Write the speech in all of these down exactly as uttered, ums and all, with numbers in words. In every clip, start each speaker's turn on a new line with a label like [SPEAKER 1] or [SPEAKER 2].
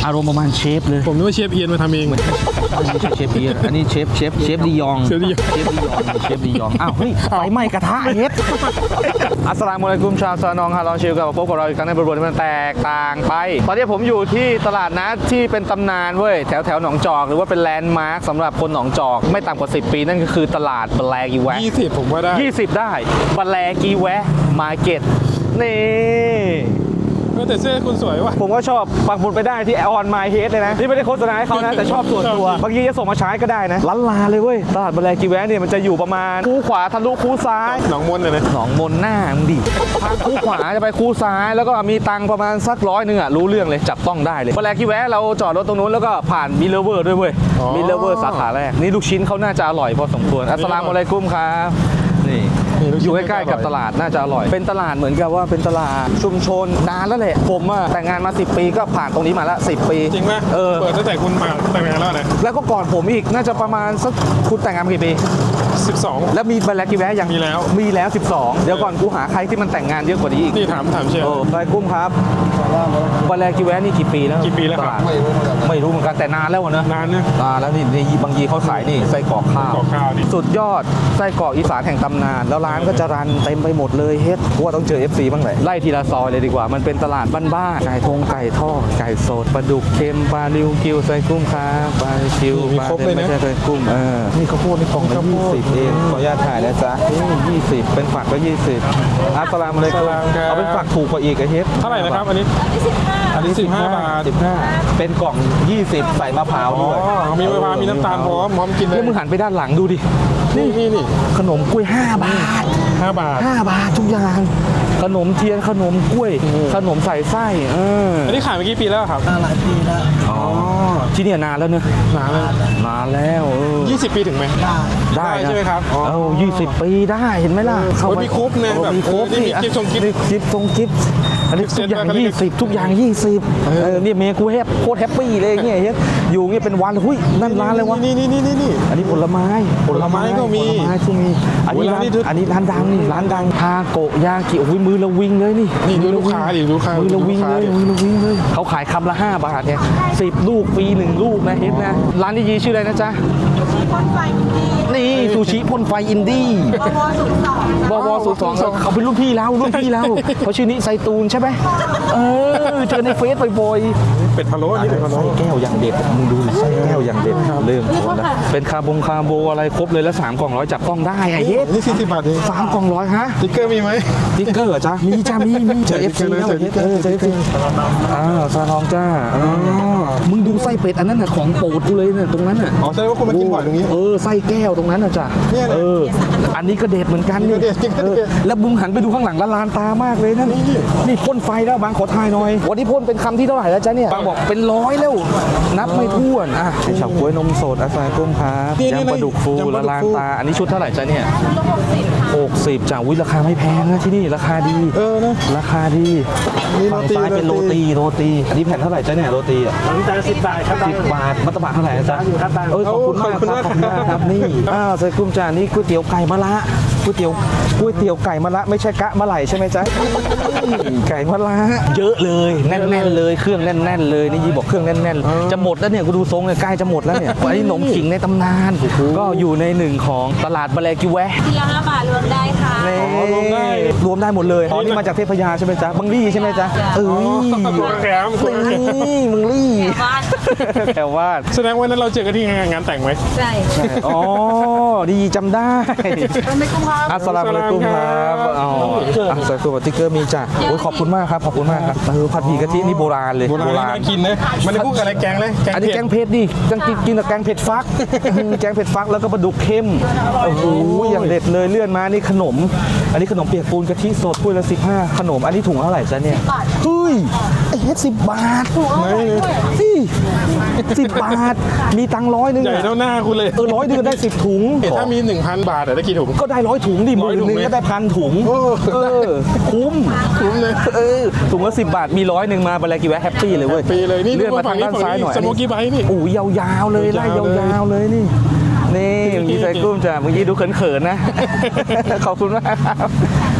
[SPEAKER 1] อารมณ์ประมาณเชฟเลย
[SPEAKER 2] ผมนึกว่าเชฟเอียนมาทำเอง
[SPEAKER 1] ไม่ใช่เชฟเอียนอันนี้เชฟเชฟเชฟดิยองเชฟดิยองเชฟดิยองอ้าวเฮ้ยไฟไหม้กระทะเฮ็ดอัสสลามุอะลัยกุมชาวซานองฮาลองชิลกับพบกับเราอีกครั้งในบริบทที่มันแตกต่างไปตอนนี้ผมอยู่ที่ตลาดนัดที่เป็นตำนานเว้ยแถวแถวหนองจอกหรือว่าเป็นแลนด์มาร์คสำหรับคนหนองจอกไม่ต่ำกว่าสิบปีนั่นก็คือตลาดบแลกีแวะ
[SPEAKER 2] ยี่สิบผมว่าได้
[SPEAKER 1] ยี่สิบได้บแลกีแวะมาร์เก็ตนี่
[SPEAKER 2] แต่เสื้อคุณสวยว่ะ
[SPEAKER 1] ผมก็ชอบปักหมุดไปได้ที่ออนไมเฮดเลยนะนี่ไม่ได้โฆษณาให้เขานะแต่ชอบส่วนตัวบางทีจะส่งมาใช้ก็ได้นะล้านลาเลยเว้ยตลาดบแลกีแวะเนี่ยมันจะอยู่ประมาณคูขวาทะลุคูซ้าย
[SPEAKER 2] หนองมนเลยนะ
[SPEAKER 1] หนองมนหน้ามึงดิทางคูขวาจะไปคูซ้ายแล้วก็มีตังประมาณสักร้อยหนึ่งอ่ะรู้เรื่องเลยจับต้องได้เลยบแลกีแวะเราจอดรถตรงนู้นแล้วก็ผ่านมิลเลเวอร์ด้วยเว้ยมิลเลเวอร์สาขาแรกนี่ลูกชิ้นเขาน่าจะอร่อยพอสมควรอัสสลามุอะลัยกุมครับนี่อยู่ใกล้ๆกับตลาดน่าจะอร่อยเป็นตลาดเหมือนกับว่าเป็นตลาดชุมชนนานแล้วแหละผมอะแต่งงานมาสิบปีก็ผ่านตรงนี้มาแล้วสิบปี
[SPEAKER 2] จริงไหมเออเปิดตั้งแต่คุณมาแต่งงานแล้วนะ
[SPEAKER 1] แล้วก็ก่อนผมอีกน่าจะประมาณสักคุณแต่งงานกี่ปี
[SPEAKER 2] สิบสอง
[SPEAKER 1] แล้วมีบแลกีแวะยัง
[SPEAKER 2] มีแล้ว
[SPEAKER 1] มีแล้วสิบสองเดี๋ยวก่อนกูหาใครที่มันแต่งงานเยอะกว่านี้อีก
[SPEAKER 2] นี่ถามถามเชียร์
[SPEAKER 1] โอ้ไปกุ้มครับบแลกีแวะนี่กี่ปีแล้ว
[SPEAKER 2] กี่ปีแล้วครับ
[SPEAKER 1] ไม่รู้เหมือนกันแต่นานแล้วนะ
[SPEAKER 2] นานเนี่ย
[SPEAKER 1] นานแล้วนี่ในบางยีเขาขายนี่ไส้กรอกข้าวสุดยอดไส้กรอกอีสานแห่งตำนานแล้วร้านก็จะรันเต็มไปหมดเลยเฮ็ดว่าต้องเจอ เอฟ ซี บ้างแหละไล่ทีละซอยเลยดีกว่ามันเป็นตลาดบ้านๆไก่ทงไก่ทอดไก่สดปลาดุกเค็มปลาลิวกิวไส้กุ้งครับปลาคิวปลาเป็นไม่ใช่ไส้กุ้งเออนี่ข้าวโพดนี่กล่องละยี่สิบเองขออนุญาตถ่ายนะจ๊ะนี่ยี่สิบเป็นฝักก็ยี่สิบอัสสลามุอะลัยกุมเอาเป็นฝักถูกกว่าอีกไอ้เฮ็ด
[SPEAKER 2] เท่าไหร่นะครับอันนี้
[SPEAKER 1] อันนี้สิบห้าบาทสิบห้าเป็นกล่องยี่สิบใส่มะพร้าวด้วย
[SPEAKER 2] มีมะพร้าวมีน้ำตาลพร้อมพร้อมกินเลย
[SPEAKER 1] แล้วมึงหันไปด้านหลังดูดิ
[SPEAKER 2] นี่นี่นี่
[SPEAKER 1] ขนมกล้วยห้าบาท
[SPEAKER 2] ห้าบาท
[SPEAKER 1] ห้าบาททุกอย่างขนมเทียนขนมกล้วยขนมใส่ไส้เออ
[SPEAKER 2] อันนี้ขายมากี่ปีแล้วครับ
[SPEAKER 3] หลายปีแล้ว
[SPEAKER 1] อ๋อที่นี่นานแล้วเนอะ
[SPEAKER 2] นานแล้ว
[SPEAKER 1] นานแล้ว
[SPEAKER 2] ยี่สิบปีถึงไหม
[SPEAKER 1] ได้
[SPEAKER 2] ได้ใช่ไหมครับ
[SPEAKER 1] เออยี่สิบปีได้เห็นไหมล่ะ
[SPEAKER 2] เขามีครบเลยแบบ
[SPEAKER 1] มีครบนี่
[SPEAKER 2] กิฟต์ทรงกิฟต์
[SPEAKER 1] กิฟต์ทรงกิฟต์อันนี้ทุกอย่างยี่สิบทุกอย่างยี่สิบเออเนี่ยเมียกูแฮปโคตรแฮปปี้เลยเงี้ยเฮ็ดอยู่เงี้ยเป็นวันหุ้ยนั่นร้านเลยวะ
[SPEAKER 2] นี่นี่นี่นี่นี่
[SPEAKER 1] อันนี้ผลไม้
[SPEAKER 2] ผลไม้ก็มี
[SPEAKER 1] ผลไม้ก็มีอันนี้ร้านอันนี้ร้านดังนี่ร้านดังทาโกยากิโอ้ยมือละวิงเลยนี่
[SPEAKER 2] นี่ดูลูกค้าดิลูกค้า
[SPEAKER 1] มือละวิงเลยมือละวิงเลยเขาขายคำละห้าบาทเนี่ยสิบลูกฟรีหนึ่งลูกนะเฮ็ดนะร้านนี้ยีชื่ออะไรนะจ๊ะนี่ซูชิพ่นไฟอินดี้บวศูนย์สองเขาเป็นรุ่นพี่แล้วรุ่นพี่แล้วเขาชื่อนี้ไซตูนใช่ไหมเออเจอในเฟซบ่อย
[SPEAKER 2] ๆเป็ดพะโล้นี่เป็ดพะโล้
[SPEAKER 1] ไส้แก้วอย่างเด็ดมึงดูไส้แก้วอย่างเด็ดเริ่มคนละเป็นคาบงคาโบอะไรครบเลยแล้วสามกล่องร้อยจับต้องได้ไอ้เฮ็ด
[SPEAKER 2] นี่สี่สิบบาทเอง
[SPEAKER 1] สามกล่องร้อยฮะ
[SPEAKER 2] ติ๊กเกอร์มีไหม
[SPEAKER 1] ติ๊กเกอร์จ้ะมีจ้ามีมีเจอเอฟซีแล้วเออเจอเอฟซีอ่าซาลองจ้าอ๋อมึงดูไส้เป็ดอันนั้นน่ะของโปรดกูเลยเนี่ยตรงนั้นน่ะ
[SPEAKER 2] อ๋อแสดงว่าคุณมากินบ่อยตรงนี้
[SPEAKER 1] เออไส้แก้วตรงนั้นน่ะจ้ะเอออันนี้ก็เด็ดเหมือนกันนี่แล้วมึงหันไปดูข้างหลังละลานตามากเลยนั่นนี่พ่นไฟแล้วบางขอทายหน่อยวันนี้พ่นเป็นคำที่เท่าไหร่แล้วจ๊ะเนี่ยบางบอกเป็นร้อยแล้วนับไม่ถ้วนอ่ะไอเฉาก๊วยนมสดอาซากุ้มครับยำปลาดุกฟูละลานตาอันนี้ชุดเท่าไหร่จ๊ะเนี่ยหกสิบจ้ะวิราคาไม่แพงนะที่นี่ราคาดี
[SPEAKER 2] เออนะ
[SPEAKER 1] ราคาดีฝั่งซ้ายเป็นโรตีโรตีอันนี้แผ่นเท่าไหร่จ๊ะเนี่ยโรตีอ่ะ
[SPEAKER 3] จานสิบบาทครับ
[SPEAKER 1] สิบบาทมัตตบะเท่าไหร่จ๊ะ
[SPEAKER 3] อยู่ครับ
[SPEAKER 1] เออขอบคุณมากครับขอบคุณมากครับนี่อ้าวใส่กุ้มจ้านี่ก๋วยเตี๋ยวไก่มะระก๋วยเตี๋ยวก๋วยเตี๋ยวไก่มะระไม่ใช่กะมะไหลใช่ไหมจ๊ะไก่มะระเยอะเลยแน่นๆเลยเครื่องแน่นๆเลยนี่ยีบอกเครื่องแน่นๆจะหมดแล้วเนี่ยกูดูทรงเนี่ยใกล้จะหมดแล้วเนี่ยอันนี้ขนมขิงในตำนานก็อยู่ในหนึ่งของตลาดบแลกีแวะ
[SPEAKER 4] ทีละห้าบาทรวมได้ค่ะ
[SPEAKER 1] รวมได้รวมได้หมดเลยอ๋อนี่มาจากเทพยาใช่ไหมจ๊ะบังลี่ใช่ไหมจ๊ะเอ้ย
[SPEAKER 2] แถม
[SPEAKER 1] นี่มึงลี่แถวว่า
[SPEAKER 2] แสดงว่านั้นเราเจอกันที่งานแต่งไหม
[SPEAKER 4] ใช่
[SPEAKER 1] อ๋อดีจำได้อัสสลามุอะลัยกุมครับอ๋ออัสสลามุอะลัยกุมติ๊กเกอร์มีจ้ะโอ้ยขอบคุณมากครับขอบคุณมากครับเออผัดหมี่กะทินี่โบราณเลย
[SPEAKER 2] โบราณกินนะมันได้พูดกับอะไรแกงเลย
[SPEAKER 1] อันนี้แกงเผ็ดดิจังกินกับแกงเผ็ดฟักแกงเผ็ดฟักแล้วก็ปลาดุกเค็มโอ้โหอย่างเด็ดเลยเลื่อนมานี่ขนมอันนี้ขนมเปียกปูนกะทิสดถ้วยละสิบห้าขนมอันนี้ถุงเท่าไหร่จ๊ะเนี่ยเฮ้ยไอ้เฮ็ดสิบบาทนี่สิบบาทมีตังร้อยนึง
[SPEAKER 2] ใหญ่เท่าหน้าคุณเลย
[SPEAKER 1] เออร้อยนึงได้สิบถุง
[SPEAKER 2] ถ้ามีหนึ่งพันบาทได้กี่ถุง
[SPEAKER 1] ก็ได้ร้อยถุงดิหมื่นนึงก็ได้พันถุงเออคุ้ม
[SPEAKER 2] คุ้มเลย
[SPEAKER 1] เออถุงละสิบบาทมีร้อยหนึ่งมาบแลกีแวะแฮปปี้เลยเว้ย
[SPEAKER 2] ปีเลยนี่
[SPEAKER 1] เลื่อนมาทางด้านซ้ายหน่อย
[SPEAKER 2] สโมกี้ไบท์นี่
[SPEAKER 1] โอ้ยยาวๆเลยไล่ยาวๆเลยนี่นี่มีใส่กุ้มจ้ะเมื่อกี้ดูเขินๆนะขอบคุณมากครับ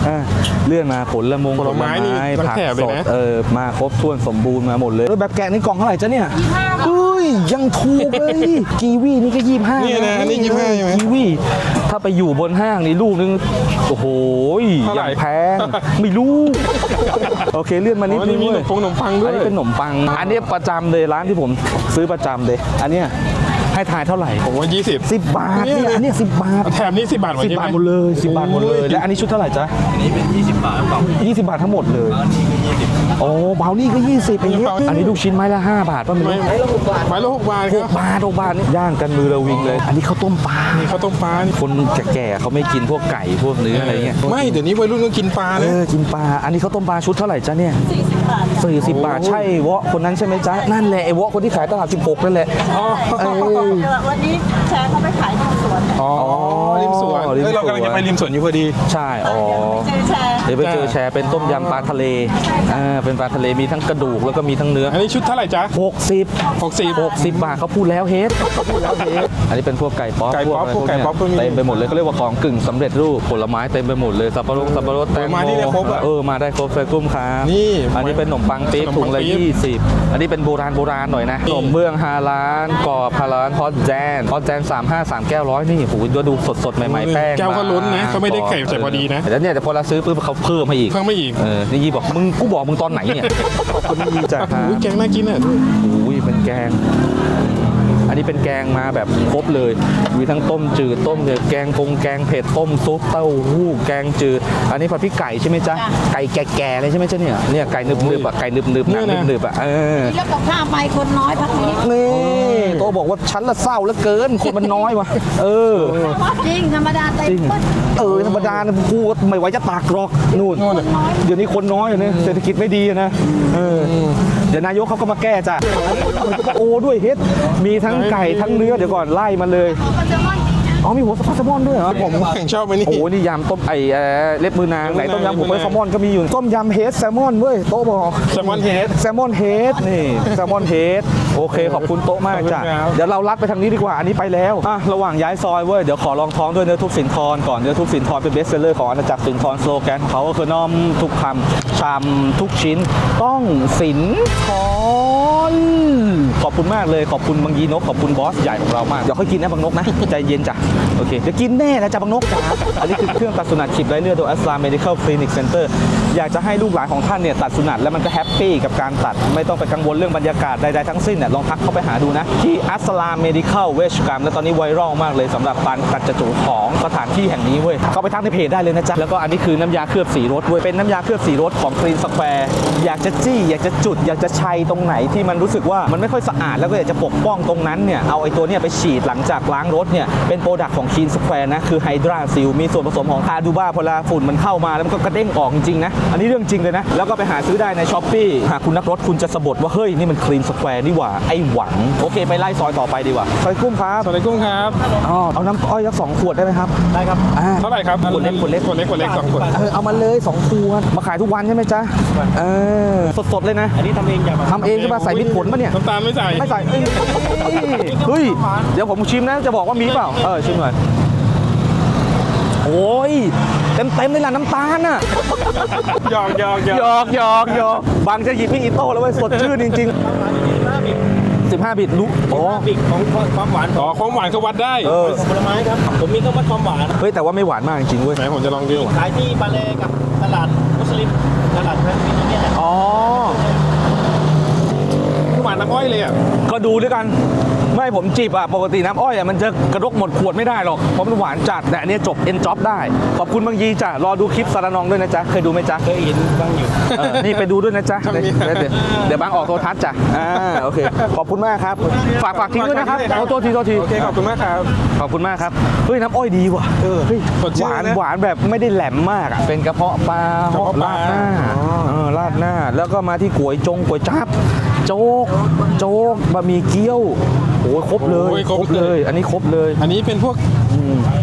[SPEAKER 1] อ่ะเลื่อนมาผลละมง
[SPEAKER 2] ผลไม้นี่ทั้ง
[SPEAKER 1] ผัก
[SPEAKER 2] แถบเล
[SPEAKER 1] ส
[SPEAKER 2] ย
[SPEAKER 1] ด
[SPEAKER 2] นะ
[SPEAKER 1] เออมาครบถ้วนสมบูรณ์มาหมดเลยแล้วแบบแกะนี่กล่องเท่าไหร่จ๊ะเนี่ยเฮ้ยยังถูกเลยกีวีนี่ก็ยี่สิบห้า
[SPEAKER 2] นี่นะอันนี้ยี่สิบห้าใช่ไหม
[SPEAKER 1] กีวีถ้าไปอยู่บนห้างนี่ลูกนึงโอ้โห
[SPEAKER 2] เท่าไหร่
[SPEAKER 1] ยังแพงไม่รู้ โอเคเลื่อนมานิด
[SPEAKER 2] อ๋อ
[SPEAKER 1] นึ
[SPEAKER 2] นี่
[SPEAKER 1] ง
[SPEAKER 2] มีขน
[SPEAKER 1] เว้ย
[SPEAKER 2] มปงขนมปังด้ว
[SPEAKER 1] อัน
[SPEAKER 2] ย
[SPEAKER 1] นี้เป็นขนมปัง อันนี้ประจำเลยร้านที่ผมซื้อประจำเลย อันเนี้ยให้ทายเท่าไหร่
[SPEAKER 2] ผมว่ายี่สิบ
[SPEAKER 1] สิบบาท
[SPEAKER 2] เนี่
[SPEAKER 1] เนี่ย
[SPEAKER 2] ย
[SPEAKER 1] อันเนี้ยสิบบาท
[SPEAKER 2] แถมนี้สิบบาทหมด
[SPEAKER 1] สิบ
[SPEAKER 2] ใช่ไหม
[SPEAKER 1] บาทหมดเลยสิบบาทหมดเลย
[SPEAKER 2] โอ้ย
[SPEAKER 1] และอันนี้ชุดเท่าไหร่จ๊ะอันนี้เป็นยี่สิบบาทยี่สิบบาททั้งหมดเลยโอ้เบานี่ก็ยี่สิบเองเนี่ยอันนี้ลูกชิ้นไม้ละห้าบาทป่ะไม่
[SPEAKER 2] ไม่
[SPEAKER 1] รู้
[SPEAKER 2] ไม้ละหกบาท
[SPEAKER 1] ห
[SPEAKER 2] ค
[SPEAKER 1] ก
[SPEAKER 2] รับบ
[SPEAKER 1] าทหกบาทนี่ย่างกันมือระวิงเลย อันนี้ข้าวต้มปลา
[SPEAKER 2] นี่ข้าวต้มปลานี่
[SPEAKER 1] คนแก่ๆเขาไม่กินพวกไก่พวกเนื้ออะไรเงี้ย
[SPEAKER 2] ไม่เดี๋ยวนี้วัยรุ่นก็กินปลา
[SPEAKER 1] เอ
[SPEAKER 2] นะ
[SPEAKER 1] อกินปลาอันนี้ข้าวต้มปลาชุดเท่าไหร่จ๊ะเนี่ย
[SPEAKER 4] สี่สิบบาท
[SPEAKER 1] สี่สิบบาทใช่วะคนนั้นใช่ไหมจ๊ะนั่นแหละไอ้วะคนที่ขายตลาดสิบหกนั่นแหละ
[SPEAKER 2] อ๋อ
[SPEAKER 1] เอ้ย
[SPEAKER 4] วันนี้แชร์เขาไปขายที่สวน
[SPEAKER 2] อ๋อริมสวน
[SPEAKER 1] ริมสวน
[SPEAKER 2] เอ้ยเรากำลังจะไปริมสวนอยู่พอดี
[SPEAKER 1] ใช่อ๋อ
[SPEAKER 4] เจอแชร์
[SPEAKER 1] เดี๋ยวไปเจอแชร์เป็นต้มยำปลาทะเลอ่าเป็นปลาทะเลมีทั้งกระดูกแล้วก็มีทั้งเนื้อ
[SPEAKER 2] อันนี้ชุดเท่าไหร่จ๊ะ
[SPEAKER 1] หกสิบ
[SPEAKER 2] หกสิบ
[SPEAKER 1] หกสิบบาทเขาพูดแล้วเฮดเขาพูดแล้วเฮดอันนี้เป็นพวกไก่ป๊อป
[SPEAKER 2] ไก่ป๊อป
[SPEAKER 1] ะร
[SPEAKER 2] พวกไก่ป๊อปก็มี
[SPEAKER 1] เต็มไปหมดเลยเขาเรียกว่าของกึ่งสำเร็จรูปผลไม้เต็มไปหมดเลยสับปะรดสับปะรดแตง
[SPEAKER 2] ผลไม้ที่ได้ครบอะ
[SPEAKER 1] เออมาได้ครบเลยกุ้มครับ
[SPEAKER 2] นี่
[SPEAKER 1] อันนี้เป็นขนมปังปี๊บ
[SPEAKER 2] ขนมปัง
[SPEAKER 1] ถุงละ
[SPEAKER 2] ปี๊บ
[SPEAKER 1] ยี่สิบอันนี้เป็นโบราณโบราณหน่อยนะขนมเบื้องฮาล้านกรอบฮาล้านฮอตแจนฮอตแจนสามห้าสามแก้วร้อยนี่โหดูดูสดสดๆใหม่ๆแป้ง
[SPEAKER 2] แก้วก็ล้นนะ
[SPEAKER 1] บง
[SPEAKER 2] เขาไม่ได้ไก่ใส่พอดีนะ
[SPEAKER 1] แล้วเนี่ยแต่พอเราซื้อปุ๊บเขาเพิ่มมาอีก
[SPEAKER 2] เพิ่มไม่อีก
[SPEAKER 1] เออนี่ยี่บอกมึงกูบอกมึงตอนไหนเนี่ยขอบคุณยี่จ้ะ
[SPEAKER 2] อุ้ยแกงน่ากินอ่ะ
[SPEAKER 1] อุ้ยเป็นแกง อันนี้เป็นแกงมาแบบครบเลย มีทั้งต้มจืดต้มเนื้อแกงพงแกงเผ็ดต้มซุปเต้าหู้แกงจืด อันนี้ผัดพริกไก่ใช่ไหมจ๊ะ ไก่แก่ๆเลยใช่ไหมจ๊ะเนี่ย เนี่ยไก่นึบๆอ่ะ ไก่นึบๆหนังนึบๆอ่ะ เออ
[SPEAKER 4] แล้วกับข้าวไปคนน้อยพักนี้
[SPEAKER 1] นี่โตบอกว่าฉันละเศร้าเหลือเกิน คนมันน้อยวะเออ
[SPEAKER 4] จริงธรรมดาเต็ม
[SPEAKER 1] จริง
[SPEAKER 4] ปึ๊ด
[SPEAKER 1] เออธรรมดานะกูก็ไม่ไหวจะตากหรอกนู่น
[SPEAKER 2] นู่น
[SPEAKER 1] เดี๋ยวนี้คนน้อยอะเนี่ยเศรษฐกิจไม่ดีอะนะเออเดี๋ยวนายกเขาก็มาแก้จ้ะโอ้ด้วยเฮ็ดมีทั้งไก่ทั้งเนื้อเดี๋ยวก่อนไล่มาเลย
[SPEAKER 4] มันจะมัน
[SPEAKER 1] อ๋อมีหัวสปาแซลมอนด้วยเหรอ
[SPEAKER 2] ผมแข่งชอบไปนี่
[SPEAKER 1] โอ้นี่ยำต้มไอเอ่อเล็บมือนางไหนต้มยำหัว
[SPEAKER 2] เล็บมือนาง
[SPEAKER 1] แซลมอนก็มีอยู่ต้มยำเฮดแซลมอนเว้ยโต๊ะบอก
[SPEAKER 2] แซลมอนเฮด
[SPEAKER 1] แซลมอนเฮดนี่แซลมอนเฮดโอเคขอบคุณโต๊ะมากจ้ะ
[SPEAKER 2] ขอบคุณครับ
[SPEAKER 1] เดี๋ยวเราลัดไปทางนี้ดีกว่าอันนี้ไปแล้วอ่ะระหว่างย้ายซอยเว้ยเดี๋ยวขอลองท้องด้วยเนื้อทุบสินทรก่อนเนื้อทุบสินทรเป็นเบสเซลเลอร์ของอาณาจักรสินทรสโลแกนของเขาก็คือน้อมทุกคำชามทุกชิ้น ต้องสินทรขอบคุณมากเลยขอบคุณบางยีนกขอบคุณบอสใหญ่ของเรามากเดี๋ยวค่อยกินนะบางนกนะใจเย็นจ้ะโอเคเดี๋ยวกินแน่นะจ้ะบางนกจ้ะอันนี้คือเครื่องตัดสุนัขฉีดไร้เลือดโดยอัสลามเมดิคอลคลินิกเซ็นเตอร์อยากจะให้ลูกหลานของท่านเนี่ยตัดสุนัขแล้วมันก็แฮปปี้กับการตัดไม่ต้องไปกังวลเรื่องบรรยากาศใดๆทั้งสิ้นเนี่ยลองทักเข้าไปหาดูนะที่อัสลามเมดิคอลเวชกรรมและตอนนี้ไวรัลมากเลยสำหรับการตัดจจูของสถานที่แห่งนี้เว้ยเข้าไปทักในเพจได้เลยนะจ๊ะแล้วก็อันนี้คือน้ำยาเคลือบสีรถเว้ยเป็นน้ำยาเคลือบสีรถของคลีนสแควร์อยากจะจี้อยากจะจุด อยากจะชัยตรงไหนที่มันรู้สึกว่ามันไม่ค่อยสะอาดแล้วก็อยากจะปกป้องตรงนั้นเนี่ยเอาไอ้ตัวเนี้ยไปฉีดหลังจากล้างรถเนี่ยเป็นโปรดักต์ของคลีนสแควร์นะคือไฮดราซิลมีส่วนผสมของทาดูบ้าพอเวลาฝุ่นมันเข้ามาแล้วมันก็กระเด้งออกจริงๆนะอันนี้เรื่องจริงเลยนะแล้วก็ไปหาซื้อได้ในช้อปปี้หากคุณนักรถคุณจะสะบัดว่าเฮ้ยนี่มันคลีนสแควร์นี่หว่าไอ้หวังโอเคไปไล่ซอยต่อไปดีกว่าซอยกุ้งครับ
[SPEAKER 2] สวัสดีกุ้งครับ
[SPEAKER 1] อ๋อเอาน้ำอ้อยสักสองขวดได้ไหมครับได้ครับอ่า
[SPEAKER 2] เท่าไหร่ครับ
[SPEAKER 1] ขวดเล็กขวดเล็ก
[SPEAKER 2] ขวดเล็กขวดเล็กสองขวด
[SPEAKER 1] เออเอามาเลยสองขวดมาขายทุกวันใช่ไหมจ๊ะเออสดๆเลยนะ
[SPEAKER 3] อันนี้ทำเองอย่าง
[SPEAKER 1] ทำเองใช่ป่ะใส่มิตรผลป่ะเนี่ย
[SPEAKER 2] น้ำตาลไม่ใส่
[SPEAKER 1] ไม่ใส่เอ้ยเฮ้ยเดี๋ยวผมชิมนะจะบอกว่ามีเปล่าเออชิมหน่อยโอ้ยเต็มเต็มๆเลยล่ะน้ำตาลน่ะ
[SPEAKER 2] หยอกหยอกหย
[SPEAKER 1] หย
[SPEAKER 2] อก
[SPEAKER 1] อกหยอกหยอกบางจะหยิบพี่อีโต้แล้วเว้ยสดชื่นจริงๆสิบห้าบิตรู้อ๋อ
[SPEAKER 3] บิกของความหวาน
[SPEAKER 2] อ๋อความหวานเขาวัดได้
[SPEAKER 1] เออ
[SPEAKER 3] ของผลไม้ครับ ผมมีเครื่องวัดความหวาน
[SPEAKER 1] เฮ้ยแต่ว่าไม่หวานมากจริงๆเว้ย
[SPEAKER 2] ไหนผมจะลองดู
[SPEAKER 3] ขายที่บาเลกับตลาดมุสลิมตลาดพระมิตรเนี่ยแหละ
[SPEAKER 1] อ๋อ
[SPEAKER 2] หวานน้ำอ้อยเลยอ่ะ
[SPEAKER 1] ก็ดูด้วยกันไม่ผมจีบอ่ะปกติน้ำอ้อยอ่ะมันจะกระดกหมดขวดไม่ได้หรอกเพราะมันหวานจัดแต่อันเนี้ยจบเอ็นจ็อบได้ขอบคุณบางยีจ้ะรอดูคลิปสารนองด้วยนะจ๊ะเคยดูไหมจ๊ะ
[SPEAKER 3] เคยเห็นบ้างอยู่
[SPEAKER 1] เออนี่ไปดูด้วยนะจ๊ะ
[SPEAKER 2] ทำไม
[SPEAKER 1] เดี๋ยวเดี๋ยวเดี๋ยวบางออกโทรทัศน์จ้ะอ่าโอเคขอบคุณมากครับฝากฝากทิ้งด้วยนะครับเอาโทษทีโทษที
[SPEAKER 2] โอเคขอบคุณมากครับ
[SPEAKER 1] ขอบคุณมากครับเฮ้ยน้ำอ้อยดีว่ะเออเฮ้ย
[SPEAKER 2] สดชื่
[SPEAKER 1] ห
[SPEAKER 2] น
[SPEAKER 1] วาน
[SPEAKER 2] นะ
[SPEAKER 1] หวานแบบไม่ได้แหลมมากอ่ะเป็นกระเพาะปลาก
[SPEAKER 2] ระเพาะปลา
[SPEAKER 1] ราดหน้า
[SPEAKER 2] อ๋อ
[SPEAKER 1] เออราดหน้าแล้วก็มาที่ก๋วยจงก๋วยจั๊บโจ๊กโจ๊กบะหมี่เกี๊ยวโอ้ยครบเลย
[SPEAKER 2] โอ้ยครบ
[SPEAKER 1] เลย อันนี้ครบเลย
[SPEAKER 2] อันนี้เป็นพวก
[SPEAKER 1] อืม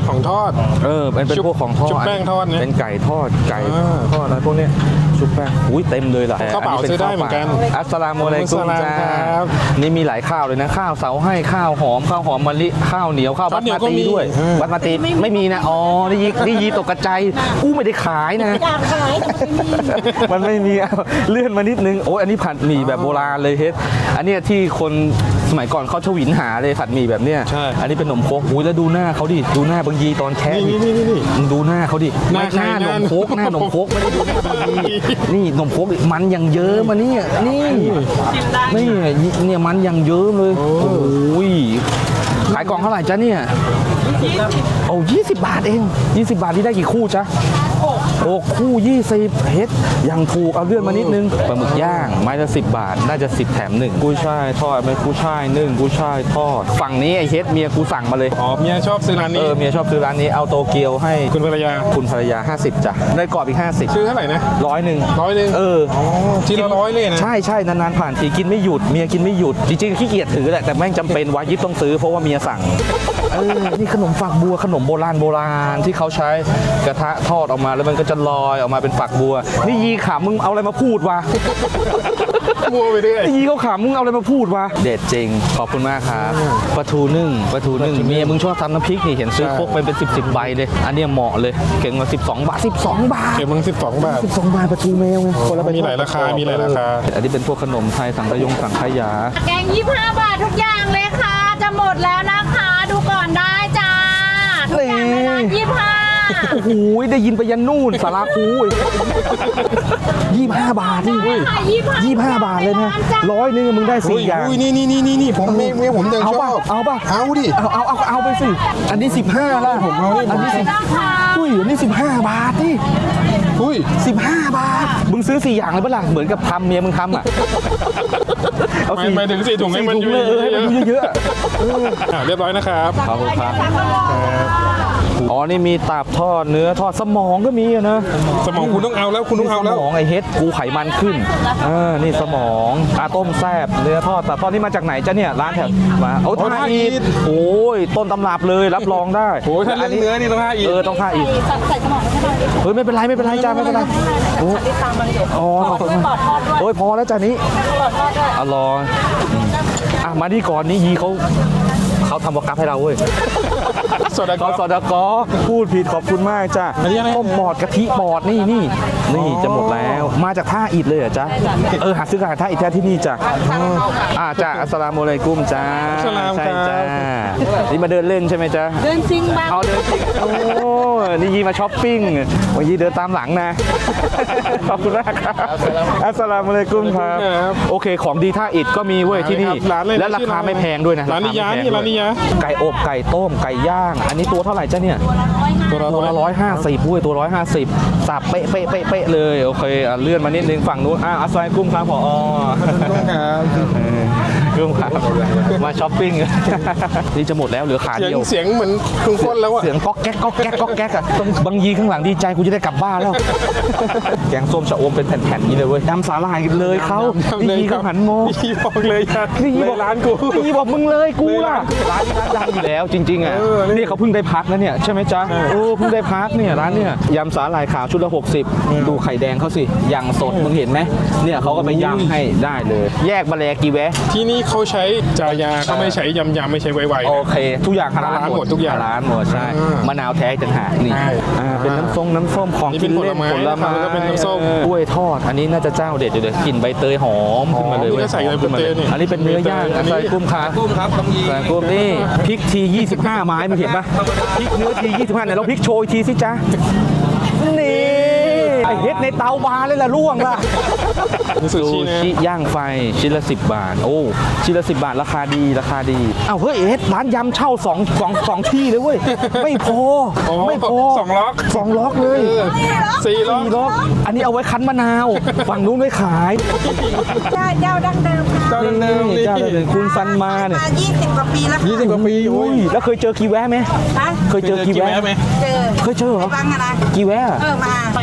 [SPEAKER 2] ของทอด
[SPEAKER 1] เออเป็นเป็น
[SPEAKER 2] ชุบ
[SPEAKER 1] พวกของทอด
[SPEAKER 2] ชุบแป้งทอดเนี่ย
[SPEAKER 1] เป็นไก่ทอดไก่
[SPEAKER 2] อ่า
[SPEAKER 1] ทอดอะไรพวกเนี้ยชุบแป้งอุ้ยเต็มเลยล่ะ
[SPEAKER 2] ข้าวเปล่า
[SPEAKER 1] อั
[SPEAKER 2] ซื้อได้เหมือนกัน
[SPEAKER 1] อัสสลามุอะลัยกุม
[SPEAKER 2] อัสสลาม
[SPEAKER 1] จ้า
[SPEAKER 2] ครับ
[SPEAKER 1] นี่มีหลายข้าวเลยนะข้าวเสาให้ข้าวหอมข้าวหอมมะลิข้าวเหนียวข้าว
[SPEAKER 2] ข้า
[SPEAKER 1] บั
[SPEAKER 2] ว
[SPEAKER 1] ส
[SPEAKER 2] เหนียว
[SPEAKER 1] มา
[SPEAKER 2] ก็
[SPEAKER 1] ตี
[SPEAKER 2] มี
[SPEAKER 1] ด้วย
[SPEAKER 2] อ่า
[SPEAKER 1] บัสมาตีไม่มีนะอ๋อนี่ยีนี่ยีตกกระจายกูไม่ได้ขายนะ
[SPEAKER 4] อยากขายแต่มันไม่มี
[SPEAKER 1] มันไม่มีเอาเลื่อนมานิดนึงโอ้ยอันนี้ผัดหมี่แบบโบราณเลยเฮ็ดอันเนี้ยที่คนสมัยก่อนเขาชวินหาเลยผัดหมี่แบบเนี้ย
[SPEAKER 2] ใช่
[SPEAKER 1] อันนี้เป็นขนมโคกอุ้ยแล้วดูหน้าเขาดิดูหน้าบางยีตอนแค่
[SPEAKER 2] นี่นี่นี่นี่
[SPEAKER 1] มึงดูหน้าเขาดิ
[SPEAKER 2] หน้าใคร
[SPEAKER 1] หน้าหน
[SPEAKER 2] หน้าม
[SPEAKER 1] โคกหน้าหนมโคกไม่ได้ดูหน้าบางยีนี่หนมโคกดิมันอย่างเยิ้มมาเนี่ยนี่นี่เนี่ยมันอย่างเยิ้มเลยโอ้ยขายกล่องเท่าไหร่จ๊ะเนี่ยโอ้ยี่สิบบาทเองยี่สิบบาทที่ได้กี่คู่จ๊ะโอ้คู่ยี่สิบเฮ็ดยังถูกเอาเลื่อนมานิดนึงปลาหมึกย่างไม้ละสิบบาทน่าจะสิบแถมหนึ่งกุ้ยช่ายทอดไม่กุ้ยช่ายนึ่งกุ้ยช่ายทอดฝั่งนี้ไอ้เฮ็ดเมียกูสั่งมาเลย
[SPEAKER 2] อ๋อเมียชอบซื้อร้าน
[SPEAKER 1] เอ
[SPEAKER 2] นี้
[SPEAKER 1] อเมียชอบซื้อร้านนี้เอาโตเกียวให้
[SPEAKER 2] คุณภรรยา
[SPEAKER 1] คุณภรรยาห้าสิบจ้ะได้กรอบอีกห้าสิบ
[SPEAKER 2] ซื้อเท่าไหร่นะ
[SPEAKER 1] ร้อยหนึ่ง
[SPEAKER 2] ร้อยหนึ่ง
[SPEAKER 1] เออ
[SPEAKER 2] อ๋อทีละร้อยเลยนะ
[SPEAKER 1] ใช่ใช่นานๆผ่านทีกินไม่หยุดเมียกินไม่หยุดจริงๆขี้เกียจถือแหละแต่แม่งจำเป็นวายิบต้องซื้อเพราะว่าเมียสั่งเออนี่ขนมฝักบัวขนมโบราณโบราณที่เขาใช้กระทะทอดออกมาแล้วมันก็จะลอยออกมาเป็นฝักบัวนี่ยีขามึงเอาอะไรมาพูดวะ
[SPEAKER 2] มัวไปเรื่อย
[SPEAKER 1] นี่ยีเขาขามึงเอาอะไรมาพูดวะเด็ดจริงขอบคุณมากครับปลาทูนึ่งปลาทูนึ่งเมียมึงชอบทำน้ำพริกนี่เห็นซื้อ
[SPEAKER 2] ใช่
[SPEAKER 1] พกไปเป็นสิบสิบใบเลยอันเนี้ยเหมาะเลยเก่งมาสิบสองบาทสิบสองบาท
[SPEAKER 2] เก็บมึงสิบสองบาท
[SPEAKER 1] สิบสองบาทปลาทูแมวไงคนละใบ
[SPEAKER 2] มีหลายราคามีหลายราคา
[SPEAKER 1] อันนี้เป็นพวกขนมไทยสังขยงสังขยา
[SPEAKER 4] แกงยี่สิบห้าบาททุกอย่างเลยค่ะ จะหมดแล้วนะคะ ดูก่อนได้จ้า ทุกอย่างในร้านยี่สิบห้า
[SPEAKER 1] โอ้โหได้ยินไปยันนู่นสาราคูยี่ห้าบาทนี่
[SPEAKER 4] ยี่สิบห้า
[SPEAKER 1] ยี่ห้าบาทเลยนะร้อยหนึงมึงได้
[SPEAKER 2] อุ้
[SPEAKER 1] สี่
[SPEAKER 2] ย
[SPEAKER 1] อย่าง
[SPEAKER 2] อุ้ยนี่นี่นี่นี่นี่ผมไม่ไม่ผมยัง
[SPEAKER 1] เอา
[SPEAKER 2] ช
[SPEAKER 1] ป่ะ
[SPEAKER 2] อบ
[SPEAKER 1] เอาป่ะ
[SPEAKER 2] เอาดิ
[SPEAKER 1] เอาเอาเอาเอาไปสิอันนี้สิบห้าละผมเอาอันนี้สิบ
[SPEAKER 4] นะคะ
[SPEAKER 1] อุ้ยอันนี้สิบห้าบาทนี่
[SPEAKER 2] อุ้ย
[SPEAKER 1] สิบห้าบาทมึงซื้อสี่อย่างเลยปะล่ะเหมือนกับทำเมียมึงทำอ่ะเอา
[SPEAKER 2] ไปไปถึงสี่ถุงให้มัน
[SPEAKER 1] สี่ถุงเลยเออให้มันอยู่เยอะๆ
[SPEAKER 2] อ่าเรียบร้อยนะครับ
[SPEAKER 1] ขอบคุณครับอ๋อ นี่มีตับทอดเนื้อทอดสมองก็มีอะนะ
[SPEAKER 2] สมองคุณต้องเอาแล้วคุณต้องเอาแล้ว
[SPEAKER 1] สมองไอเฮ็ดกูไขมันขึ้นเออนี่สมองอาต้มแซบเนื้อทอดตับทอดนี่มาจากไหนจ้ะเนี่ยร้านแถวมาโอ้
[SPEAKER 2] โอ้
[SPEAKER 1] ท่า
[SPEAKER 2] ท่า
[SPEAKER 1] อี
[SPEAKER 2] อี
[SPEAKER 1] ท
[SPEAKER 2] ท
[SPEAKER 1] โอ้ยต้นตำรับเลยรับรองได้
[SPEAKER 2] โอ้ยถ้าเรื่องเนื้อนี่ต้องห้าอีก
[SPEAKER 1] เออต้องท่าอีท
[SPEAKER 4] ใส่สมองไม่ใช่ไหม
[SPEAKER 1] เฮ้ยไม่เป็นไรไม่เป็นไรจ้าไม่เป็นไรโอ้
[SPEAKER 4] ติดตามมาเลย
[SPEAKER 1] อ๋อขอบคุณ
[SPEAKER 4] ปลอดทอดด้วย
[SPEAKER 1] โอ้ยพอแล้วจ้านี้
[SPEAKER 4] ปลอดทอดด้วย
[SPEAKER 1] อร่อยอืมอ่ะมาที่ก่อนนี้ยีเขาเขาทำวอกัฟให้เราเว้ย
[SPEAKER 2] สด
[SPEAKER 1] กสดกพูดผิดขอบคุณมากจ้า
[SPEAKER 2] อันนี้อะไร
[SPEAKER 1] ต้มปอดกะทิปอดนี่นี่นี่จะหมดแล้วมาจากท่าอิฐเลยเหรอจ๊ะเออหาซื้อกับท่าอิฐแท้ที่นี่จ้ะอ่าจ้าอัสสลามุอะลัยกุมจ้า
[SPEAKER 2] อัสสลาม
[SPEAKER 1] ใช่
[SPEAKER 2] ครับ
[SPEAKER 1] จ้านี่มาเดินเล่นใช่ไหมจ๊ะ
[SPEAKER 4] เดินซิงบ้าง
[SPEAKER 1] เอาเดินจริงโอ้นี่ยีมาช้อปปิ้งวันยีเดินตามหลังนะ ขอบคุณมากครับอัสสลามุอะลัยกุมครับ
[SPEAKER 2] ครับ
[SPEAKER 1] โอเคของดีท่าอิฐก็มีเว้ยที่นี่
[SPEAKER 2] ร้านเลยนะ
[SPEAKER 1] และราคาไม่แพงด้วยนะ
[SPEAKER 2] ร้านนิยา
[SPEAKER 1] คไม่แพง
[SPEAKER 2] นี่
[SPEAKER 1] ด้ว
[SPEAKER 2] ร้านนิยา
[SPEAKER 1] ไก่อบไก่ต้มไก่ย่าง อันนี้ตัวเท่าไหร่จ้ะเนี่ย
[SPEAKER 2] ตัวละ
[SPEAKER 1] ตัวละร้อยห้าสิบด้วยตัวร้อยห้าสิบสับเป๊ะเป๊ะเป๊ะเป๊ะเลยโอเคอ่ะเลื่อนมานิดนึงฝั่งนู้นอ่ะอัสสลามุอะลัยกุมครับผอ
[SPEAKER 2] ต้องครับ
[SPEAKER 1] กุมครับมาช้อปปิ้ง นี่จะหมดแล้วเหลือขา
[SPEAKER 2] เสียง
[SPEAKER 1] เดียว
[SPEAKER 2] เสียงเหมือนเครื่องพ่นแล้วอะ
[SPEAKER 1] เสียงก๊อกแก๊กก๊อกแก๊กก๊อกแก๊กอะบางยีข้างหลังดีใจกูจะได้กลับบ้านแล้ว แกงส้มชะอมเป็นแผ่นๆนี้เลยเว้ยยำสาหร่ายเลยเขา
[SPEAKER 2] ทำเลย
[SPEAKER 1] ดี
[SPEAKER 2] ค
[SPEAKER 1] เขา
[SPEAKER 2] รับ
[SPEAKER 1] หันโม
[SPEAKER 2] นี่บอกเลยครับ
[SPEAKER 1] นี่
[SPEAKER 2] เล
[SPEAKER 1] บอก
[SPEAKER 2] ยร้านกู
[SPEAKER 1] นี่บอกมึงเลยกู
[SPEAKER 2] เลย
[SPEAKER 1] ล่ะ
[SPEAKER 2] ร้าน
[SPEAKER 1] ร้านนี้ร้านดังอยู่แล้วจริงๆอ่ะ
[SPEAKER 2] เออนี่
[SPEAKER 1] นี่เขาเพิ่งได้พักนะเนี่ยใช่ไหมจ๊ะโอ้เพิ่งได้พักเนี่ยร้านเนี่ยยำสาหร่ายขาวชุดละหกสิบดูไข่แดงเขาสิอย่างสดมึงเห็นไหมเนี่ยเขาก็ไปย่างให้ได้เลย แยกบะแลกีแวะ
[SPEAKER 2] ที่นี่เขาใช้จายาเขาไม่ใช้ยำยำไม่ใช้ไวๆ
[SPEAKER 1] โอ
[SPEAKER 2] นะ
[SPEAKER 1] เค ทุกอย่างฮาลาล
[SPEAKER 2] ฮาลาลหมดทุกอย่าง
[SPEAKER 1] ฮาลาลหมดใช่
[SPEAKER 2] อ่าม
[SPEAKER 1] มะนาวแท้ต่างหากนี่
[SPEAKER 2] ใช่
[SPEAKER 1] อ่าเป็นน้ำส้มน้ำส้มของ
[SPEAKER 2] นี่
[SPEAKER 1] กิ
[SPEAKER 2] เป็น
[SPEAKER 1] นเล่น
[SPEAKER 2] ผลไม้
[SPEAKER 1] ผลไม้
[SPEAKER 2] แล้วก็เป็นน้ำส้ม
[SPEAKER 1] เออกล้วยทอด อันนี้น่าจะเจ้าเด็ดอยู่เลยกลิ่นใบเตยหอมขึ้นมาเลย
[SPEAKER 2] อ๋อนี่
[SPEAKER 1] เว้ย
[SPEAKER 2] ก็ใส่
[SPEAKER 1] หอมขึ้นมาเลย
[SPEAKER 2] ใบเตยนี่
[SPEAKER 1] อันนี้เป็นเนื้อย่าง
[SPEAKER 2] อันนี้
[SPEAKER 1] ใส่กุ้มขากุ้มครับใส่กุ้มนี่พริกทียี่สิบห้าไม้มึงเห็นปะพริกเนื้อทียี่สิบห้าเนี่ยเราพริกโชยทีสิจ๊ะนี่ไอเฮ็ดในเตาบาเลยล่ะล่วงล่ะ
[SPEAKER 2] นี่ซู
[SPEAKER 1] ซู
[SPEAKER 2] ชินะ
[SPEAKER 1] ชิย่างไฟชิ้นละสิบบาท โอ้ชิ้นละสิบบาทราคาดีราคาดีอ้าวเฮ้ยเอ็ดร้านยำเช่าสองสองสองที่เลยเว้ยไม่พอ
[SPEAKER 2] อ๋อ
[SPEAKER 1] ไม่พอ
[SPEAKER 2] สองล็อก
[SPEAKER 1] สองล็อกเลย
[SPEAKER 2] เออสี่ล็อก
[SPEAKER 1] สี่ล็อกอันนี้เอาไว้คั้นมะนาวฝั่งนู้นไว้ขาย
[SPEAKER 5] เจ้าเจ้าดั้งเดิมค่ะ
[SPEAKER 2] เจ้าเดิมๆนี่
[SPEAKER 1] เจ้าเดิมๆคุณซันมาเนี่ย
[SPEAKER 5] มายี่สิบกว่าปีแล้วค่ะ
[SPEAKER 2] ยี่สิบกว่าปีโอ้
[SPEAKER 1] อุ้
[SPEAKER 2] ย
[SPEAKER 1] ยแล้วเคยเจอกีแวะไหม
[SPEAKER 5] นะ
[SPEAKER 1] เคยเจอกีแวะ
[SPEAKER 2] ไหม
[SPEAKER 5] เจอ
[SPEAKER 1] เคยเจอเหรอ
[SPEAKER 5] บ้างอะนะ
[SPEAKER 1] กีแวะ
[SPEAKER 5] เออมา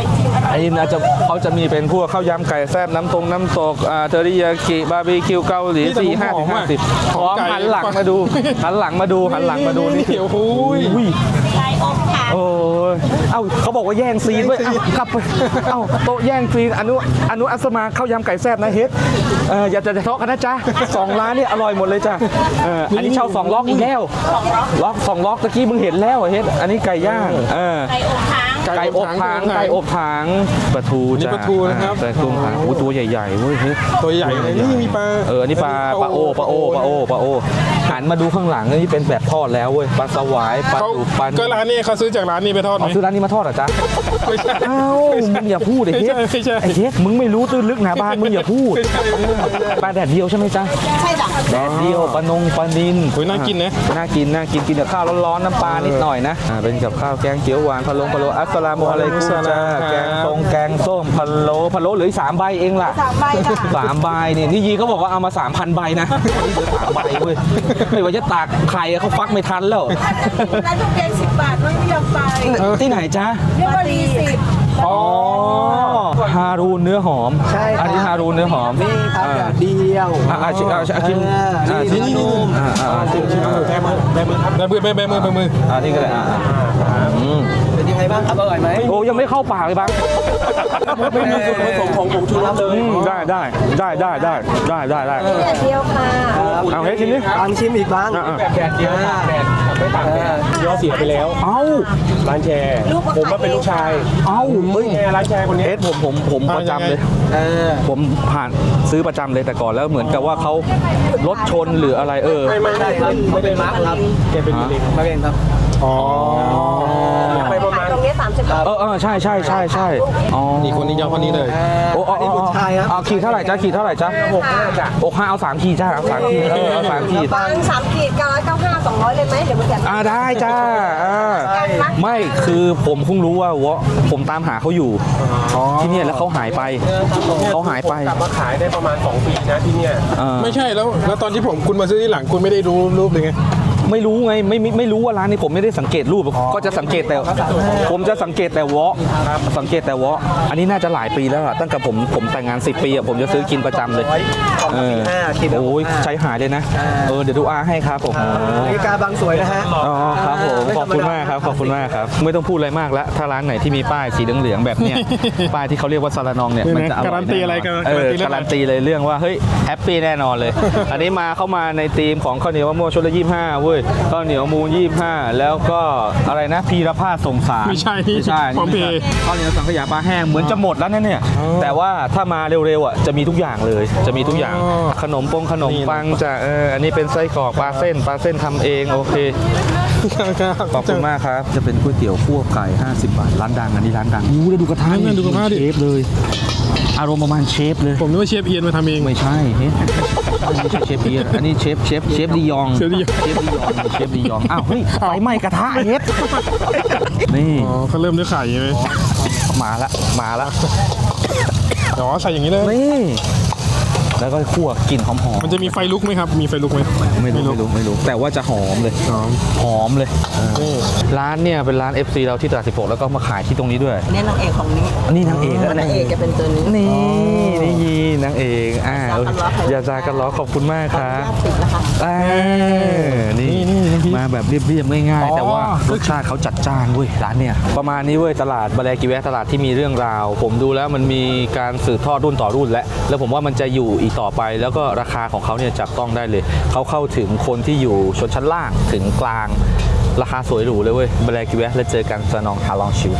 [SPEAKER 1] ไอ้น่าจะเขาจะมีเป็นพวกข้าวยำไก่แซ่บน้ำตรงน้ำตกอ่าเทอริยากิบาร์บีคิวเกาหลีสี่ห้าถึงห้าสิบพร้อมหันหลังมาดูหันหลังมาดูหันหลังมาดูนี่
[SPEAKER 2] โอ้โห
[SPEAKER 1] อุ้ย
[SPEAKER 4] ไก่อบค่ะ
[SPEAKER 1] โอ้ยเอ้าเขาบอกว่าแย่งซีนเว้ยเอ้ากลับไปเอ้าโต๊ะแย่งซีนอนุอนุอัสมาข้าวยำไก่แซ่บนะเฮ็ดเอออย่าจะทะเลาะกันนะจ๊ะสองร้านนี่อร่อยหมดเลยจ้ะเอออันนี้เช่าสองล็อกอีกแล้วล็อกสองล็อกตะกี้มึงเห็นแล้วเฮ็ดอันนี้ไก่ย่างเออ
[SPEAKER 4] ไก่อบค้าง
[SPEAKER 1] ไก่อบถางไก่อบถางปลาทู
[SPEAKER 2] นี่
[SPEAKER 1] จ้ะ
[SPEAKER 2] ปลาทูนะครับ
[SPEAKER 1] ปลาทูถางโอ้ตัวใหญ่ๆเว้ยเฮ้ย
[SPEAKER 2] ตัวใหญ่เลยนี่มีปลา
[SPEAKER 1] เอออันนี้ปลาปลาโอปลาโอปลาโอปลาโอหันมาดูข้างหลังนี่เป็นแบบทอดแล้วเว้ยปลาสวายปลา
[SPEAKER 2] เขา
[SPEAKER 1] ดุกปลา
[SPEAKER 2] ก็ร้านนี้เขาซื้อจากร้านนี้ไปทอดไหม
[SPEAKER 1] เอาซื้อร้านนี้มาทอดเหรอจ๊ะ
[SPEAKER 2] ไม่ใช่
[SPEAKER 1] เอ้ามึงอย่าพูดไอ้
[SPEAKER 2] ไม่
[SPEAKER 1] เฮ็
[SPEAKER 2] ใช่
[SPEAKER 1] ด
[SPEAKER 2] ไม่ใช่
[SPEAKER 1] ไอ้เฮ็ดมึงไม่รู้ตื้นลึกหนาบานมึงอย่าพูด
[SPEAKER 2] ไม่ใช่ไม่ใช่
[SPEAKER 1] ปลาแดดเดียวใช่ไหมจ๊ะ
[SPEAKER 4] ใช่จ้ะ
[SPEAKER 1] แดดเดียวปลานงปลานิน
[SPEAKER 2] โอ้ยน่ากินนะ
[SPEAKER 1] น่ากินน่ากินกินกับข้าวร้อนๆน้ำปลานิดหน่อยนะอ่าเป็นกับข้าวแกงเขียวหวานพะโล้พะโล้อัสสลามุอะลัยกุมจ้าแกงส้มแกงส้มพะโล้พะโล้เหลืออีกสามใบเองล่ะ
[SPEAKER 5] สามใบค่ะ
[SPEAKER 1] สามใบเนี่ยนี่ยีเขาบอกว่าเอามาสามพันใบนะเหลือสามใบเว้ยไม่ว่าจะตากไข่เขาฟักไม่ทันแล้ว
[SPEAKER 5] ร้านทุกแกงสิบบาทไม่ยอมไป
[SPEAKER 1] ที่ไหนจ๊ะ
[SPEAKER 5] เรียกว่ารีสิบ
[SPEAKER 1] อ๋อฮารูนเนื้อหอม
[SPEAKER 6] ใช่ครับ
[SPEAKER 1] อันนี้ฮารูนเนื้อหอม
[SPEAKER 6] นี่ครับ
[SPEAKER 1] อ่า
[SPEAKER 6] แบบเดียว
[SPEAKER 1] อ่าอ่าชิมอ่าชิมอ่าชิม
[SPEAKER 6] เออ
[SPEAKER 1] อ่า
[SPEAKER 6] นี่
[SPEAKER 1] ชิม
[SPEAKER 6] นี่นี่
[SPEAKER 1] อ่าอ่าอ่าชิมชิมอ่า
[SPEAKER 2] แบมือแบมือครับแบมือแบมือแบมือ
[SPEAKER 1] อ่านี่ก็ได้อ่าอ่าอืม
[SPEAKER 6] เป็นยังไงบ้างครับอร่อยไหม
[SPEAKER 1] โอ้ยังไม่เข้าปากเลยบ้าง
[SPEAKER 6] ไม่มีส่วนผสมของผงชูรสเลย
[SPEAKER 1] อืมได้ได้ได้ได้ได้ได้ได้ได้
[SPEAKER 5] แดดเดียวค่ะ
[SPEAKER 1] เอาให้ชิมดิ
[SPEAKER 6] ลองชิมอีกบ้าง
[SPEAKER 1] อ่าอ่า
[SPEAKER 2] แดดเดียวตากแดดไม่ตากแดดย่อเสียไปแล้ว
[SPEAKER 1] เอ้า
[SPEAKER 2] ร้านแชร์
[SPEAKER 5] ลูก
[SPEAKER 2] ผมมาเป็นลูกชาย
[SPEAKER 1] เอ้าเฮ้ย
[SPEAKER 2] แชร์ร้านแชร์คนนี้
[SPEAKER 1] เอสผมผมผมประจำเลย
[SPEAKER 6] เออ
[SPEAKER 1] ผมผ่านซื้อประจำเลยแต่ก่อนแล้วเหมือนกับว่าเขารถชนหรืออะไรเออ
[SPEAKER 2] ไม่ไม่
[SPEAKER 6] ใช่ครับไม่เป็นมาร์กครับ
[SPEAKER 2] แกเป็นมะเร็ง
[SPEAKER 6] มาเองครับ
[SPEAKER 2] อ๋อไปประมาณ
[SPEAKER 5] ตรงนี้สามสิบบาท
[SPEAKER 1] เออเออใช่ใช่ใช่ใช่อ๋อ
[SPEAKER 2] นี่คนนี้ยอมคนนี้เลย
[SPEAKER 1] โอ้
[SPEAKER 6] อันนี้บุตรชายครับ
[SPEAKER 1] เอาขีดเท่าไหร่จ้าขีดเท่าไหร่จ้า
[SPEAKER 6] หกห้าจ้ะ
[SPEAKER 1] อกห้าเอาสามขีดจ้าเอาสามขีดเออเอาสามขีด
[SPEAKER 5] บางสามขีดเก้าร้อยเก้าห้าสองร้อยเลยไหมเดี๋ยวมันจะ
[SPEAKER 1] อ่าได้จ้าอ่าไม่คือผมเพิ่งรู้ว่าวะผมตามหาเขาอยู่ที่เนี่ยแล้วเขาหายไปเขาหายไป
[SPEAKER 2] กลับมาขายได้ประมาณสองปีนะที่เนี่ย
[SPEAKER 1] เออ
[SPEAKER 2] ไม่ใช่แล้วแล้วตอนที่ผมคุณมาซื้อที่หลังคุณไม่ได้ดูรูปเลยไง
[SPEAKER 1] ไม่รู้ไงไม่ไม่ไม่รู้ว่าร้านนี้ผมไม่ได้สังเกตรูปก็จะสังเกตแต่ผมจะสังเกตแต่วอสังเกตแต่วออันนี้น่าจะหลายปีแล้วอะตั้งแต่ผมผมแต่งงานสิบปีอะผมจะซื้อกินประจำเลยเออ
[SPEAKER 6] ห้าคิดแล้ว
[SPEAKER 1] โอ้ยใช้หายเลยนะเออเดี๋ยวดูอาให้ครับผม
[SPEAKER 6] นาฬิกาบางสวยนะฮะ
[SPEAKER 1] อ๋อครับผมขอบคุณมากครับขอบคุณมากครับไม่ต้องพูดอะไรมากแล้วถ้าร้านไหนที่มีป้ายสีเหลืองๆแบบเนี้ย ป้ายที่เขาเรียกว่าซาลานองเนี่ยมันจะอร่อย
[SPEAKER 2] การันตีอะไรกัน
[SPEAKER 1] เออ
[SPEAKER 2] การั
[SPEAKER 1] การั
[SPEAKER 2] น
[SPEAKER 1] น
[SPEAKER 2] ตี
[SPEAKER 1] ตี
[SPEAKER 2] เรื่อง
[SPEAKER 1] เลยเรื่องว่าเฮ้ยแฮปปี้แน่นอนเลย อันนี้มาเข้ามาในธีมของข้าวเหนียวมะม่วงชุดละยี่สิบห้าเว้ยข้าวเหนียวมูลยี่สิบห้าแล้วก็อะไรนะพีรพาสสงสาร
[SPEAKER 2] ไม่ใช่
[SPEAKER 1] ไม่ใช่
[SPEAKER 2] พร้อมเพย์
[SPEAKER 1] ข้าวเหนียวสังขยาปลาแห้งเหมือนจะหมดแล้วนะเนี่ยแต่ว่าถ้ามาเร็วๆอ่ะจะมีทุกอย่างเลยจะมีทุกอย่าง
[SPEAKER 2] อ๋อ
[SPEAKER 1] ขนมปงขนมปังจะเอออันนี้เป็นไส้กรอกปลาเส้นปลาเส้นทำเองโอเค ขอบคุณมากครับ จะเป็นก๋วยเตี๋ยวคั่วไก่ ห้าสิบบาท ร้านดัง อันนี้ร้านดังดูเลยดูกระทะ
[SPEAKER 2] นั่นดูกระทะดิ
[SPEAKER 1] เชฟเลย อารมณ์ประมาณเชฟเลย
[SPEAKER 2] ผมนึกว่าเชฟเอียนมาทำเอง
[SPEAKER 1] ไม่ใช่เฮ้ยไม่ใช่เชฟเอียนอันนี้เชฟเชฟเชฟดียอง
[SPEAKER 2] เชฟดียอง
[SPEAKER 1] เชฟดียองเชฟดียอง อ้าว เฮ้ย ไฟไหม้กระทะเฮ็ดนี่
[SPEAKER 2] อ๋อเขาเริ่มด้วยไข่ใช่ไหม
[SPEAKER 1] มาละ มาละ
[SPEAKER 2] อ๋อใส่อย่างนี้เลย
[SPEAKER 1] นี่ แล้วก็คั่วกลิ่นหอมๆ
[SPEAKER 2] มันจะมีไฟลุกไหมครับ มีไฟลุกไหม
[SPEAKER 1] ไม่รู้ ไม่รู้ ไม่รู้ แต่ว่าจะหอมเลย
[SPEAKER 2] หอม
[SPEAKER 1] หอมเลย
[SPEAKER 2] นี่
[SPEAKER 1] ร้านเนี่ยเป็นร้าน เอฟ ซี เราที่ตลาดสิบหกแล้วก็มาขายที่ตรงนี้ด้วย
[SPEAKER 5] เนี่ยนางเอกของนี้
[SPEAKER 1] นี่นางเอกแล้ว
[SPEAKER 5] นางเอกจะเป็นตัวนี้
[SPEAKER 1] นี่นี่ยีนางเอกอ่าอย่าจากันล้อขอบคุณมากครับ
[SPEAKER 5] ญาติติดนะคะ
[SPEAKER 1] อ่านี่มาแบบเรียบๆง่ายๆแต่ว่ารสชาติเขาจัดจ้านเว้ยร้านเนี่ยประมาณนี้เว้ยตลาดบาแลกิแวะตลาดที่มีเรื่องราว ผมดูแล้วมันมีการสืบทอดรุ่นต่อรุ่นแล้วแล้วผมว่ามันจะอยู่อีกต่อไป แล้วก็ราคาของเขาเนี่ยจับต้องได้เลยเขาเข้าถึงคนที่อยู่ชนชั้นล่างถึงกลางราคาสวยหรูเลยเว้ยบาแลกิแวะแล้วเจอกันซานองฮาลองชิว